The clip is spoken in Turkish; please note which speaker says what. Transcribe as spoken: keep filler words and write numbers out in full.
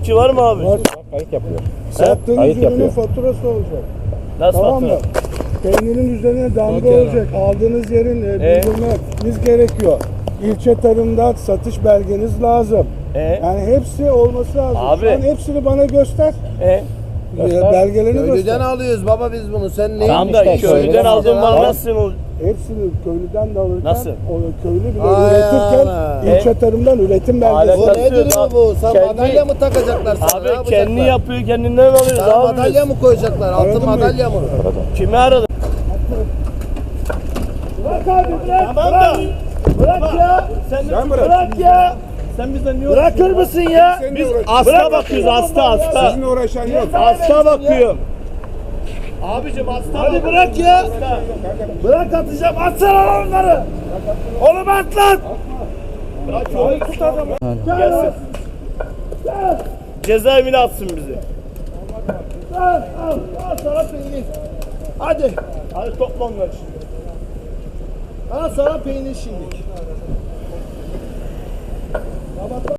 Speaker 1: Ki var mı abi?
Speaker 2: Var.
Speaker 3: Kayıt yapıyor.
Speaker 2: Sattığınız
Speaker 3: Kayıt
Speaker 2: ürünün
Speaker 3: yapıyor.
Speaker 2: faturası olacak.
Speaker 1: Nasıl
Speaker 2: Tamam mı?
Speaker 1: fatura?
Speaker 2: Peyninin üzerine damga
Speaker 3: Okey.
Speaker 2: olacak. Aldığınız yerin e,
Speaker 1: E?
Speaker 2: bildirmeniz gerekiyor. İlçe tarımda satış belgeniz lazım.
Speaker 1: E?
Speaker 2: Yani hepsi olması lazım.
Speaker 1: Abi.
Speaker 2: Şu an hepsini bana göster.
Speaker 1: E?
Speaker 2: E, belgelerini
Speaker 4: Köylüden
Speaker 2: göster.
Speaker 4: alıyoruz baba biz bunu. Sen ne?
Speaker 1: Tamam da
Speaker 3: işte
Speaker 1: köylüden
Speaker 3: köylüden
Speaker 1: aldığın mal
Speaker 2: alacağım.
Speaker 1: nasıl ol?
Speaker 2: Hepsini köylüden de alırken
Speaker 1: Nasıl?
Speaker 2: o köylü bile
Speaker 4: Ay
Speaker 2: üretirken
Speaker 4: ana.
Speaker 2: ilçe tarımdan üretim
Speaker 1: Alet-
Speaker 2: belgesi.
Speaker 4: Bu
Speaker 1: Nasıl?
Speaker 4: nedir bu bu? Sen
Speaker 1: Kendi-
Speaker 4: madalya mı takacaklar sana? ne
Speaker 1: Abi
Speaker 4: yapacaklar?
Speaker 1: kendi yapıyor kendinden alıyoruz
Speaker 4: Sana
Speaker 1: abi.
Speaker 4: madalya mı koyacaklar? Altın
Speaker 2: Aradın mı?
Speaker 4: madalya mı?
Speaker 1: Kimi aradın?
Speaker 2: Bırak abi bırak.
Speaker 1: Tamam da. Bırak ya. Sen,
Speaker 2: Sen bırak.
Speaker 1: bırak ya. Sen bizden niye Bırakır mısın ya?
Speaker 2: Seninle
Speaker 1: Biz
Speaker 2: uğraş-
Speaker 1: hasta
Speaker 2: Bırak
Speaker 1: bakıyoruz hasta hasta.
Speaker 2: Sizinle uğraşan yok.
Speaker 1: Hasta bakıyor. Abicim hasta. Hadi bırak ya. Bırak atacağım. Atsana lan onları. Oğlum at lan. Bırak onu tut adamı. Gelsin. Cezaevine atsın bizi. Al al al sana peynir. Hadi. Hadi topla onları şimdi. Al sana peynir şimdi.